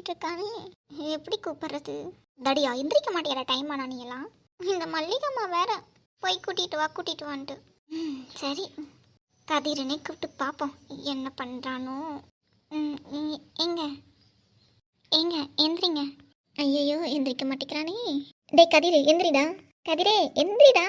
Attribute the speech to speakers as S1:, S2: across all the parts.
S1: பண்ணிட்டு இருக்கானே, எப்படி கூப்பிடுறது? தடியா எந்திரிக்க மாட்டேற டைம் ஆனா நீ எல்லாம். இந்த மல்லிகம்மா வேற போய் கூட்டிட்டு வான்ட்டு. சரி, கதிரனை கூப்பிட்டு பார்ப்போம் என்ன பண்ணுறானோ. எங்க எங்க எந்திரிங்க. ஐயோ எந்திரிக்க மாட்டேங்கிறானே. டேய் கதிரே எந்திரிடா. கதிரே எந்திரிடா.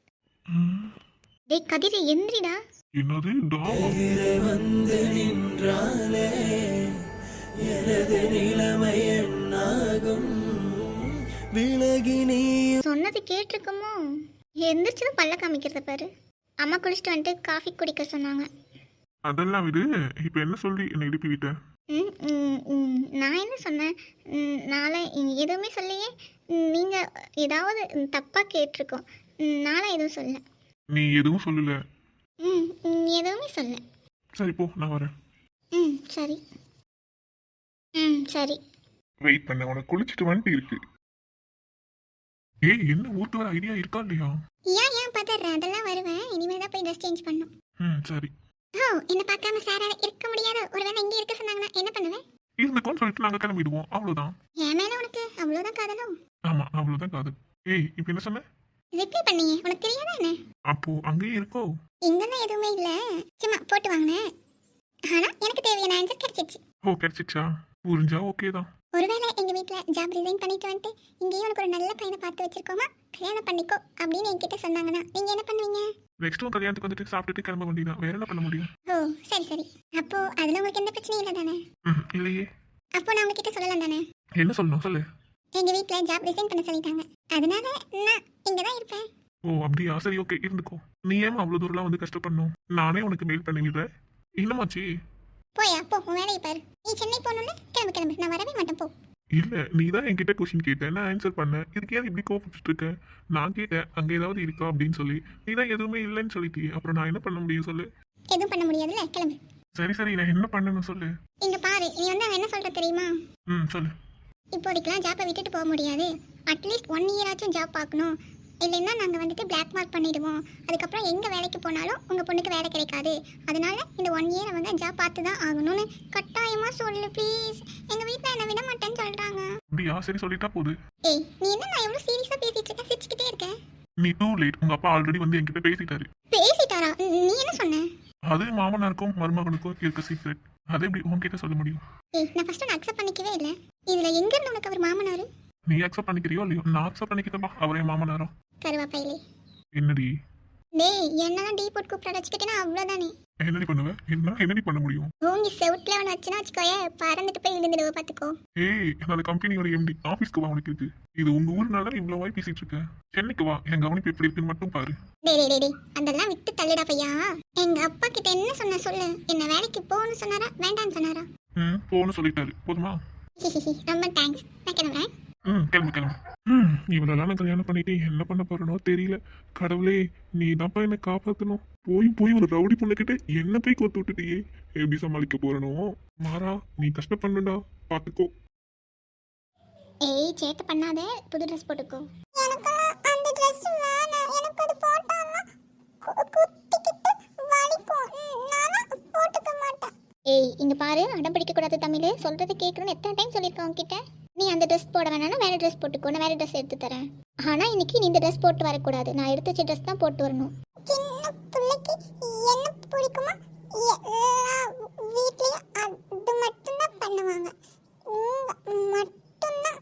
S1: டேய் கதிரே எந்திரிடா.
S2: என்னது
S3: வந்து நின்றாலே எனது நிலைமை என்னாகும் விலகி நீ
S1: சொன்னது கேட்டிருக்குமோ? எந்திரிச்சதும் பல்ல காமிக்கிறத பாரு. அம்மா குளிச்சுட்டு வந்துட்டு காஃபி குடிக்க சொன்னாங்க.
S2: அதெல்லாம் விடு. இப்ப என்ன சொல்லி என்னை எழுப்பி விட்ட?
S1: நான் என்ன சொன்னேன்? நாளை எதுவுமே சொல்லையே. நீங்கள் ஏதாவது தப்பாக கேட்டிருக்கோம். நாளை எதுவும் சொல்ல.
S2: நீ எதுவும் சொல்லல.
S1: எதுவுமே சொல்ல.
S2: சரி போ, நான் வரேன்.
S1: சரி. சரி.
S2: வெயிட் பண்ண, உனக்கு குளிச்சுட்டு வந்துட்டு இருக்கு. ஏய், என்ன ஊருக்கு வர ஐடியா இருக்கா இல்லையா?
S1: ஏன் பார்த்துடுறேன், அதெல்லாம் வருவேன். இனிமேல் தான் போய் ட்ரெஸ் சேஞ்ச் பண்ணும்.
S2: சரி.
S1: ஓ, என்ன பார்க்காம சாரால இருக்க முடியாது. ஒருவேளை இங்கே இருக்க சொன்னாங்கன்னா என்ன பண்ணுவேன்?
S2: இருந்துக்கோன்னு சொல்லிட்டு நாங்க கிளம்பிடுவோம், அவ்வளவுதான்.
S1: என் மேல உனக்கு அவ்வளோதான் காதலோ?
S2: ஆமா, அவ்வளவுதான் காதல். ஏய், இப்ப என்ன சொன்ன?
S1: ரிப்ளை பண்ணீங்க, உனக்கு தெரியாதா என்ன?
S2: அப்போ அங்கேயே இருக்கோ?
S1: இங்கெல்லாம் எதுவுமே இல்லை, சும்மா போட்டு வாங்கினேன். ஆனால் எனக்கு தேவையான ஆன்சர் கிடைச்சிச்சு.
S2: ஓ, கிடைச்சிச்சா? புரிஞ்சா ஓகே தான்.
S1: ஒருவேளை எங்க வீட்டுல ஜாப் ரிசைன் பண்ணிட்டு வந்துட்டு இங்கேயும் உனக்கு ஒரு நல்ல பையனை பார்த்து வச்சிருக்கோமா, கல்யாணம் பண்ணிக்கோ அப்படின்னு என்கிட்ட சொன்னாங்கன்னா நீங்க என்ன பண்ணுவீங்க?
S2: நெக்ஸ்ட் கல்யாணத்துக்கு வந்துட்டு சாப்பிட்டுட்டு கிளம்ப வேண்டியதான். வேற என்ன பண்ண முடியும்?
S1: ஓ சரி சரி. அப்போ அதுல உங்களுக்கு எந்த பிரச்சனையும் இல்லை தானே?
S2: இல்லையே.
S1: அப்போ நான் உங்ககிட்ட சொல்லலாம் தானே?
S2: என்ன சொல்லணும் சொல்லு.
S1: எங்க வீட்டுல ஜாப் ரிசைன் பண்ண சொல்லிட்டாங்க, அதனால நான் இங்கதான் இருப்பேன்.
S2: ஓ அப்படியா? சரி ஓகே, இருந்துக்கோ. நீ ஏமா அவ்வளவு தூரம்லாம் வந்து கஷ்டப்படணும்? நானே உனக்கு மெயில் பண்ணி விடுறேன். என்னமாச்சு?
S1: போயா போ, உன் வேலையை பாரு. நீ சென்னை போகணும்னு கிளம்பு, நான் வரவே மாட்டேன், போ.
S2: இல்ல, நீ தான் என்கிட்ட கொஸ்டின் கேட்ட, நான் ஆன்சர் பண்ணேன். இதுக்கு ஏன் இப்படி கோபிச்சுட்டு இருக்க? நான் கேட்டேன் அங்க ஏதாவது இருக்கா அப்படின்னு சொல்லி. நீ தான் எதுவுமே இல்லைன்னு சொல்லிட்டியே, அப்புறம் நான் என்ன பண்ண முடியும் சொல்லு.
S1: எதுவும் பண்ண முடியாதுல்ல, கிளம்பு.
S2: சரி சரி, நான் என்ன பண்ணணும் சொல்லு.
S1: இங்க பாரு, நீ வந்து அவன் என்ன சொல்ற தெரியுமா?
S2: சொல்லு.
S1: இப்போதைக்கெல்லாம் ஜாப்பை விட்டுட்டு போக முடியாது. அட்லீஸ்ட் 1 year ஆச்சும் ஜாப் பார்க்கணும். இல்லைன்னா நாங்கள் வந்துட்டு பிளாக் மார்க் பண்ணிடுவோம். அதுக்கப்புறம் எங்கே வேலைக்கு போனாலும் உங்கள் பொண்ணுக்கு வேலை கிடைக்காது. அதனால இந்த 1 year வந்து ஜாப் பார்த்து தான் ஆகணும்னு கட்டாயமாக சொல்லு ப்ளீஸ். எங்கள் வீட்டில் என்ன விட மாட்டேன்னு சொல்கிறாங்க.
S2: அப்படியா? சரி சொல்லிட்டா போகுது.
S1: ஏய் நீ என்ன, நான் எவ்வளோ சீரியஸாக பேசிட்டு இருக்கேன், சிரிச்சுக்கிட்டே இருக்கேன்.
S2: நீ டூ லேட். உங்க அப்பா ஆல்ரெடி வந்து என்கிட்ட பேசிட்டாரு.
S1: பேசிட்டாரா? நீ என்ன சொன்ன?
S2: அது மாமனாருக்கும் மருமகனுக்கும் இருக்க சீக்ரெட். அதை எப்படி உன்கிட்ட சொல்ல முடியும்?
S1: ஏய் நான் ஃபர்ஸ்ட் நான் அக்செப்ட் பண்ணிக்கவே இல்லை. இதில் எங்கேருந்து உனக்கு அவர் மாமனார்?
S2: நீ அக்செப்ட் பண்ணிக்கிறியோ இல்லையோ, நான் அக்செப்ட் பண்ணிக்கிட்டேன்பா அவரே மாமனாரோ.
S1: கருவாப்பையிலே.
S2: என்னடி?
S1: டேய் என்னதான் டீ போட்டு கூப்பிட வச்சுக்கிட்டேன்னா அவ்வளோதானே.
S2: என்னடி பண்ணுவேன்? என்னடி பண்ண முடியும்?
S1: ஓங்கி செவுட்டில் அவனை வச்சுன்னா வச்சுக்கோயே, பறந்துட்டு போய் விழுந்துடுவ பார்த்துக்கோ.
S2: ஏய், என்னோட கம்பெனியோட எம்டி ஆஃபீஸ்க்கு வா, உனக்கு இருக்கு. இது உங்க ஊர்னால இவ்வளவு வாய் பேசிட்டு இருக்க. சென்னைக்கு வா, என் கவனிப்பு எப்படி இருக்குன்னு மட்டும் பாரு.
S1: டேய் அதெல்லாம் விட்டு தள்ளுடா பையா. எங்க அப்பா கிட்ட என்ன சொன்ன சொல்லு. என்ன வேலைக்கு போகணும்னு சொன்னாரா வேண்டான்னு சொன்னாரா?
S2: போன்னு சொல்லிட்டாரு. போதுமா?
S1: ரொம்ப தேங்க்ஸ், நான் கிளம்புறேன்.
S2: கிளம்பு. இவளெல்லாம் நான் கல்யாணம் பண்ணிட்டு என்ன பண்ண போறனோ தெரியல. கடவுளே, நீ தான்ப்பா என்ன காப்பாத்தணும். போய் ஒரு ரவுடி பொண்ணுகிட்ட என்ன போய் கொத்து விட்டுட்டியே. எப்படி சமாளிக்க போறனோ? மாறா, நீ கஷ்டப்பண்ணுடா, பாத்துக்கோ.
S1: ஏய் சேட்டை பண்ணாத, புது ட்ரெஸ் போட்டுக்கோ. எனக்கு அந்த ட்ரெஸ் வேணாம், எனக்கு அது போட்டானா குத்திக்கிட்டு வலிக்கும். நான் போட்டுக்க மாட்டேன். ஏய் இங்க பாரு, அடம் பிடிக்க கூடாது தமிழ். சொல்றது கேட்கணும்னு எத்தனை டைம் சொல்லியிருக்கேன் உன்கிட்ட. நீ அந்த ட்ரெஸ் போட வேணாம்னா வேற ட்ரெஸ் போட்டுக்கோ, நான் வேற ட்ரெஸ் எடுத்து தரேன். ஆனா இன்னைக்கு நீ இந்த ட்ரெஸ் போட்டு வரக்கூடாது, நான் எடுத்து வச்ச ட்ரெஸ் தான் போட்டு வரணும். சின்ன பிள்ளைக்கு என்ன பிடிக்குமா வீட்லயே அது மட்டும் தான் பண்ணுவாங்க. மட்டும்தான்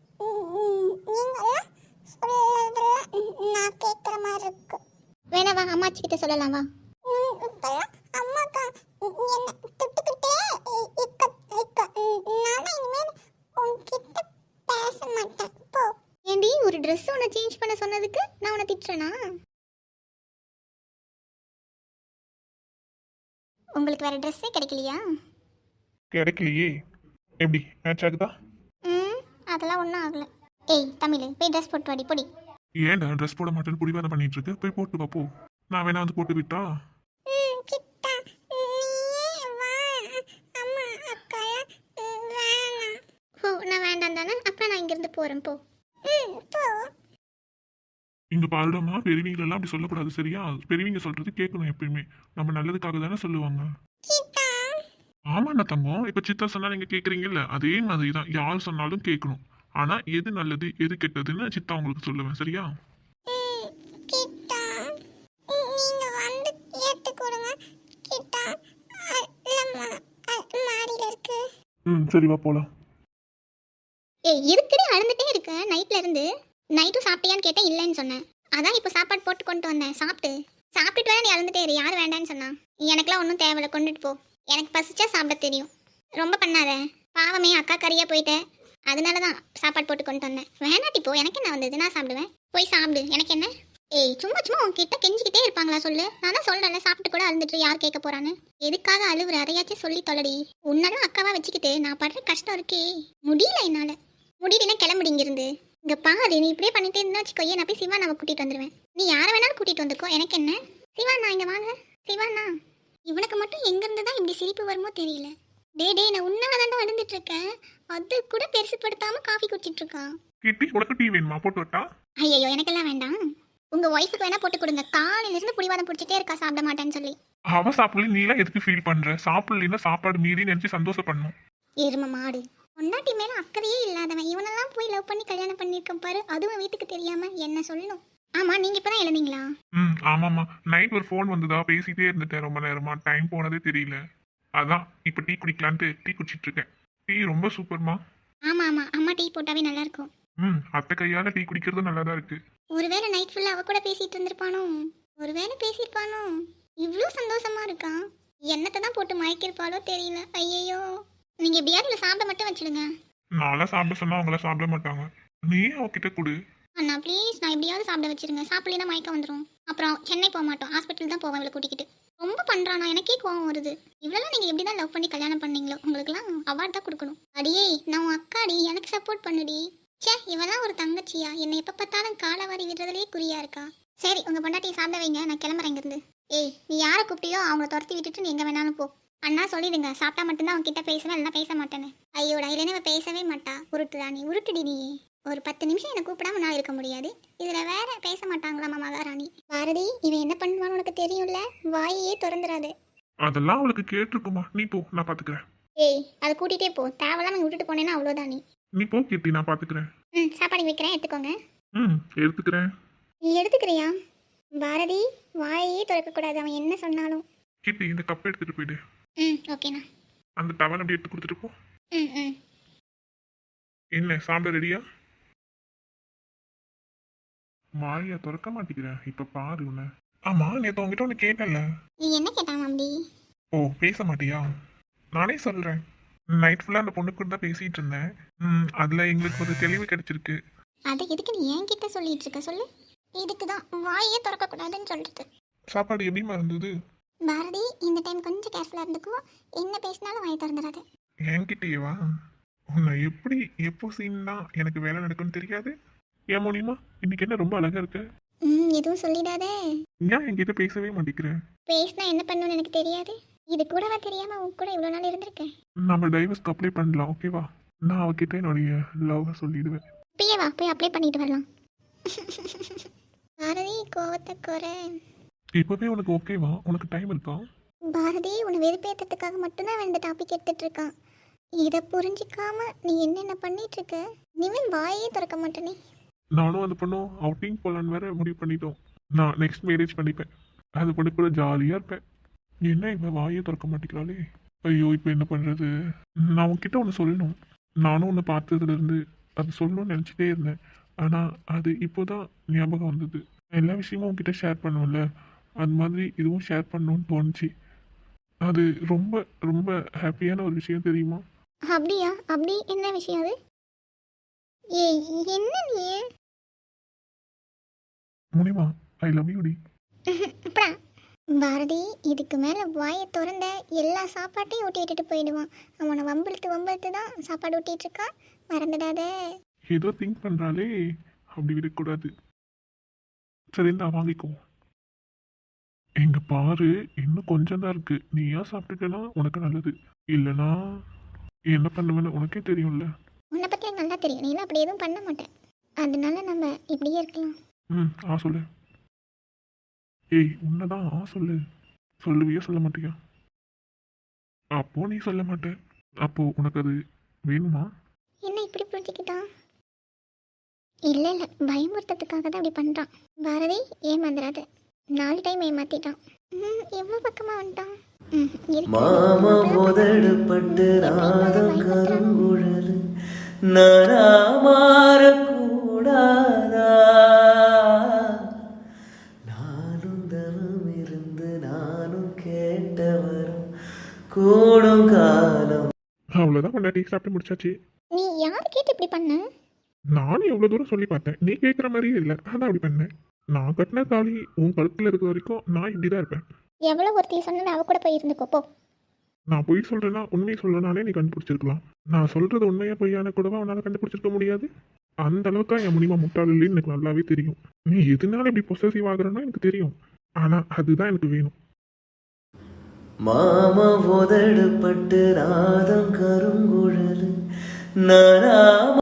S1: நீங்களாம் சொல்றதெல்லாம் நான் கேட்குற மாதிரி இருக்கு. வேணா வா, அம்மாச்சி கிட்ட சொல்லலாம் வா. இப்பெல்லாம் அம்மாக்கா என்ன திட்டுக்கிட்டே நானும் இனிமேல் உன்கிட்ட பேச மாட்டேன், போ. ஏண்டி ஒரு ட்ரெஸ் உன்னை சேஞ்ச் பண்ண சொன்னதுக்கு நான் உன்னை திட்டுறேனா? உங்களுக்கு வேற ட்ரெஸ்ஸே கிடைக்கலையா?
S2: கிடைக்கலையே. எப்படி மேட்ச் ஆகுதா?
S1: அதெல்லாம் ஒன்றும் ஆகல. ஏய் தமிழ், போய் ட்ரெஸ் போட்டு வாடி, பொடி.
S2: ஏன்டா ட்ரெஸ் போட மாட்டேன்னு புடிவாதம் பண்ணிட்டு இருக்கு? போய் போட்டு வா போ. நான் வேணா வந்து போட்டு விட்டா?
S1: நான் வேண்டாம் தானே, அப்புறம் நான் இங்கிருந்து போறேன், போ.
S2: இங்க பாருடாமா, பெரியவங்க எல்லாம் அப்படி சொல்லக்கூடாது சரியா? பெரியவங்க சொல்றது கேட்கணும் எப்பயுமே. நம்ம நல்லதுக்காக தானே சொல்லுவாங்க. ஆமாண்ணா தங்கம், இப்ப சித்தா சொன்னா நீங்க கேக்குறீங்கல்ல, அதே மாதிரி தான் யார் சொன்னாலும் கேட்கணும். ஆனா எது நல்லது எது கெட்டதுன்னு சித்தா உங்களுக்கு சொல்லுவேன், சரியா?
S1: கிட்டா நீங்க வந்து ஏத்து கொடுங்க கிட்டா. இல்லம்மா, மாடியில இருக்கு.
S2: சரி வா போலாம்.
S1: ஏய் இருக்குடி, அழுந்துட்டே இருக்க நைட்ல இருந்து. நைட்டும் சாப்பிட்டியான்னு கேட்டேன், இல்லைன்னு சொன்னேன். அதான் இப்போ சாப்பாடு போட்டு கொண்டு வந்தேன், சாப்பிட்டுட்டு வேற நீ அழுந்துட்டே இரு. யார் வேண்டான்னு சொன்னா? எனக்குலாம் ஒன்றும் தேவையில்ல, கொண்டுட்டு போ. எனக்கு பசிச்சா சாப்பிட தெரியும். ரொம்ப பண்ணாத. பாவமே அக்கா கறியா போயிட்டேன், அதனால தான் சாப்பாடு போட்டு கொண்டு வந்தேன். வேணாட்டி போ, எனக்கு என்ன வந்தது, நான் சாப்பிடுவேன். போய் சாப்பிடு, எனக்கு என்ன. ஏய் சும்மா சும்மா உன்கிட்ட கெஞ்சிக்கிட்டே இருப்பாங்களா சொல்லு? நான் தான் சொல்றேன்ல, சாப்பிட்டு கூட அழுந்துட்டு யார் கேட்க போறான்னு. எதுக்காக அழுவுற? அதையாச்சும் சொல்லி தொலைடி. உன்னெல்லாம் அக்காவா வச்சுக்கிட்டு நான் படுற கஷ்டம் இருக்கே, முடியல என்னால. முடியலன்னா கிளம்புடி இங்கிருந்து. இங்க பாரு, நீ இப்படியே பண்ணிட்டே இருந்தா வச்சுக்கோயே, நான் போய் சிவானாவை கூட்டிட்டு வந்துடுவேன். நீ யாரை வேணாலும் கூட்டிட்டு வந்துக்கோ, எனக்கு என்ன. சிவானா இங்க வாங்க. சிவானா, இவனுக்கு மட்டும் எங்க இருந்து தான் இப்படி சிரிப்பு வருமோ தெரியல. டே நான் உன்னால தாண்டா அழுந்துட்டு இருக்கேன், அது கூட பெருசுப்படுத்தாம காஃபி குடிச்சிட்டு இருக்கான்.
S2: கிட்டி, உனக்கு டீ வேணுமா? போட்டு வரட்டா?
S1: ஐயோ எனக்கெல்லாம் வேண்டாம். உங்க ஒய்ஃபுக்கு வேணா போட்டு கொடுங்க. காலையில இருந்து புடிவாதம் பிடிச்சிட்டே இருக்கா சாப்பிட மாட்டேன்னு சொல்லி.
S2: அவ சாப்பிடல, நீலாம் எதுக்கு ஃபீல் பண்ற? சாப்பிடலைன்னா சாப்பாடு மீறி நினைச்சு சந்தோஷப்படணும்.
S1: எரும மாடு. பொண்டாட்டி மேல அக்கறையே இல்லாதவன் இவனெல்லாம் போய் லவ் பண்ணி கல்யாணம் பண்ணியிருக்கேன் பாரு, அதுவும் வீட்டுக்கு தெரியாம என்ன சொல்லணும். ஆமா, நீங்க இப்பதான் எழுந்தீங்களா?
S2: ஆமாம்மா, நைட் ஒரு ஃபோன் வந்ததா, பேசிட்டே இருந்துட்டேன் ரொம்ப நேரமா, டைம் போனதே தெரியல. அதான் இப்ப டீ குடிக்கலான்ட்டு டீ குடிச்சிட்டு இருக்கேன். டீ ரொம்ப சூப்பர்மா.
S1: ஆமா ஆமா, அம்மா டீ போட்டாவே நல்லா இருக்கும்.
S2: அத்தை கையால டீ குடிக்கிறதும் நல்லா தான் இருக்கு.
S1: ஒருவேளை நைட் ஃபுல்லா அவ கூட பேசிட்டு இருந்திருப்பானோ? ஒருவேளை பேசியிருப்பானோ? இவ்ளோ சந்தோஷமா இருக்கான். என்னத்தை தான் போட்டு மயக்கிருப்பாளோ தெரியல. ஐயோ, நீங்க எப்படியாவது இவ்வளவு சாப்பிட மட்டும் வச்சிடுங்க.
S2: நான்லாம் சாப்பிட சொன்னா அவங்கள சாப்பிட மாட்டாங்க. நீ அவகிட்ட கொடு.
S1: அண்ணா ப்ளீஸ், நான் எப்படியாவது சாப்பிட வச்சிருங்க. சாப்பிடலாம் மயக்கம் வந்துடும். அப்புறம் சென்னை போக மாட்டோம், ஹாஸ்பிட்டல் தான் போவேன் இவளை கூட்டிக்கிட்டு. ரொம்ப பண்றானா, எனக்கே கோவம் வருது. இவ்வளவு நீங்க எப்படி தான் லவ் பண்ணி கல்யாணம் பண்ணீங்களோ, உங்களுக்குலாம் அவார்ட் தான் கொடுக்கணும். அடியே நான் உன் அக்காடி, எனக்கு சப்போர்ட் பண்ணுடி. சே, இவெல்லாம் ஒரு தங்கச்சியா? என்னை எப்ப பார்த்தாலும் காலவாரி விடுறதுலேயே குறியா இருக்கா. சரி, உங்க பொண்டாட்டியை சாப்பிட வைங்க, நான் கிளம்புறேன் இங்கிருந்து. ஏய், நீ யாரை கூப்பிட்டியோ அவங்கள துரத்தி விட்டுட்டு நீ எங்க வேணாலும் போ. அண்ணா சொல்லிடுங்க, சாப்பிட்டா மட்டும்தான் அவன் கிட்ட பேசுவேன், இல்லைன்னா பேச மாட்டேன்னு. ஐயோடா, இல்லைன்னு இவ பேசவே மாட்டா. உருட்டுடா நீ, உருட்டுடி நீ. ஒரு 10 நிமிஷம் என்னை கூப்பிடாம நான் இருக்க முடியாது. இதுல வேற பேச மாட்டாங்களாமா மகாராணி. பாரதி, இவன் என்ன பண்ணுவான்னு உனக்கு தெரியும்ல, வாயே திறந்துடாது.
S2: அதெல்லாம் அவளுக்கு கேட்டிருக்குமா? நீ போ, நான் பாத்துக்கிறேன்.
S1: ஏய், அதை கூட்டிகிட்டே போ. தேவையில்லாம விட்டுட்டு போனேன்னா அவ்வளோதான் நீ.
S2: நீ போ கீர்த்தி, நான் பாத்துக்கிறேன்.
S1: சாப்பாடு வைக்கிறேன், எடுத்துக்கோங்க.
S2: எடுத்துக்கிறேன்.
S1: நீ எடுத்துக்கிறியா? பாரதி, வாயே திறக்கக்கூடாது அவன் என்ன சொன்னாலும்.
S2: கீர்த்தி, இந்த கப்பை எடுத்துட்டு போயிடு.
S1: ஓகேண்ணா.
S2: அந்த டவல் அப்படியே எடுத்து கொடுத்துட்டு போ.
S1: ம்.
S2: என்ன சாப்பிட ரெடியா? மாரியா திறக்க மாட்டேங்கிறேன், இப்ப பாரு உன்ன. ஆமா, நேத்து உங்ககிட்ட ஒண்ணு கேட்டல.
S1: நீ என்ன கேட்டான் அப்படி?
S2: ஓ, பேச மாட்டியா? நானே சொல்றேன். நைட் ஃபுல்லா அந்த பொண்ணு கூட தான் பேசிட்டு இருந்தேன். அதுல எங்களுக்கு ஒரு தெளிவு கிடைச்சிருக்கு.
S1: அது எதுக்கு நீ என்கிட்ட சொல்லிட்டு இருக்க சொல்லு? இதுக்கு தான் வாயே திறக்கக்கூடாதுன்னு சொல்றது.
S2: சாப்பாடு எப்படிமா இருந்தது?
S1: பாரதி, இந்த டைம் கொஞ்சம் கேர்ஃபுல்லா இருந்துக்கோ. என்ன பேசினாலும் வாயை திறந்துடாது.
S2: என்கிட்டயேவா? உன்னை எப்படி எப்போ சீன்னா எனக்கு வேலை நடக்கும்னு தெரியாது. ஏன் மோனிமா, இன்னைக்கு என்ன ரொம்ப அழகா இருக்க?
S1: எதுவும் சொல்லிடாதே.
S2: ஏன் என்கிட்ட பேசவே மாட்டேங்கிற?
S1: பேசினா என்ன பண்ணுன்னு எனக்கு தெரியாது. இது கூடவா தெரியாம உன் கூட இவ்வளோ நாள் இருந்திருக்கேன்.
S2: நம்ம டைவர்ஸ்க்கு அப்ளை பண்ணலாம், ஓகேவா? நான் அவகிட்ட என்னுடைய லவ் சொல்லிடுவேன்.
S1: இப்பயே வா, போய் அப்ளை பண்ணிட்டு வரலாம். பாரதி, கோவத்தை குறை.
S2: இப்பவே உனக்கு ஓகேவா? உனக்கு டைம் இருக்கா?
S1: பாரதி, உன்னை வெறுப்பேற்றத்துக்காக மட்டும்தான் இந்த டாபிக் எடுத்துட்டு இருக்கான். இதை புரிஞ்சிக்காம நீ என்னென்ன பண்ணிட்டு இருக்க? நீவே வாயே திறக்க மாட்டேனே.
S2: நானும் அந்த பொண்ணும் அவுட்டிங் போகலான்னு வேற முடிவு பண்ணிட்டோம். நான் நெக்ஸ்ட் மேரேஜ் பண்ணிப்பேன். அது பொண்ணு கூட ஜாலியாக இருப்பேன். என்ன இவன் வாயே திறக்க மாட்டேங்கிறாளே. ஐயோ, இப்போ என்ன பண்ணுறது? நான் உன்கிட்ட ஒன்று சொல்லணும். நானும் ஒன்று பார்த்ததுலேருந்து அது சொல்லணும்னு நினச்சிட்டே இருந்தேன். ஆனால் அது இப்போதான் ஞாபகம் வந்தது. எல்லா விஷயமும் உன்கிட்ட ஷேர் பண்ணுவேன்ல, அது மாதிரி இதுவும் ஷேர் பண்ணணும்னு தோணுச்சு. அது ரொம்ப ரொம்ப ஹாப்பியான ஒரு விஷயம், தெரியுமா?
S1: அப்படியா? அப்படி என்ன விஷயம் அது? ஏய், என்ன நீ?
S2: முனிமா, ஐ லவ் யூ டி.
S1: அப்படா பாரதி, இதுக்கு மேலே வாயை திறந்த எல்லா சாப்பாட்டையும் ஊட்டி விட்டுட்டு போயிடுவான். அவனை வம்பிழுத்து தான் சாப்பாடு ஊட்டிட்டு இருக்கான், மறந்துடாத.
S2: ஏதோ திங்க் பண்ணுறாளே, அப்படி விடக்கூடாது. சரி, இந்தா வாங்கிக்கோ. எங்க பாரு, இன்னும் கொஞ்சம் தான் இருக்கு. நீயா சாப்பிட்டுட்டேன்னா உனக்கு நல்லது, இல்லைனா என்ன பண்ணுவேன்னு உனக்கே தெரியும்ல.
S1: உன்னை பற்றி எனக்கு நல்லா தெரியும், நீலாம் அப்படி எதுவும் பண்ண மாட்டேன். அதனால நம்ம இப்படியே இருக்கலாம்.
S2: சொல்லு. ஏய், உன்னதான் சொல்லு. சொல்லுவியா சொல்ல மாட்டியா? அப்போ நீ சொல்ல மாட்டேன். அப்போ உனக்கு அது வேணுமா?
S1: என்ன இப்படி புரிஞ்சுக்கிட்டான்? இல்லை இல்லை, பயமுறுத்ததுக்காக தான் அப்படி பண்ணுறான். பாரதி ஏமாந்துடாது. 4 டைம் ஏமாத்திட்டான். எவ்வளோ பக்கமாக வந்துட்டான். இருக்கு.
S3: மாமா முதடுப்பட்டு நாதம் கருங்குழல் நானா மாறக்கூடாதா நானும் தவம் இருந்து நானும் கேட்டவரும் கூடும் காலம்.
S2: அவ்வளோதான் பொண்டாட்டி, சாப்பிட்டு முடிச்சாச்சு.
S1: நீ யார் கேட்டு இப்படி பண்ண?
S2: நானும் எவ்வளோ தூரம் சொல்லி பார்த்தேன், நீ கேட்குற மாதிரியே இல்லை. அதான் அப்படி பண்ணேன். நான் கட்டின தாலி உன் கழுத்தில் இருக்கிற வரைக்கும் நான் இப்படி தான் இருப்பேன்.
S1: எவ்வளோ ஒருத்தி சொன்னது அவ கூட போய் இருந்துக்கோ போ.
S2: நான் பொய் சொல்கிறேன்னா உண்மையை சொல்லனாலே நீ கண்டுபிடிச்சிருக்கலாம். நான் சொல்கிறது உண்மையாக பொய்யான கூடவா உன்னால் கண்டுபிடிச்சிருக்க முடியாது. அந்த அளவுக்கு என் முடிமா முட்டாள் இல்லைன்னு எனக்கு நல்லாவே தெரியும். நீ எதனால இப்படி பொசசிவ் ஆகுறன்னா எனக்கு தெரியும். ஆனால் அதுதான் எனக்கு வேணும்.
S3: மாமா உதடுப்பட்டு நாதம் கருங்குழல் நானா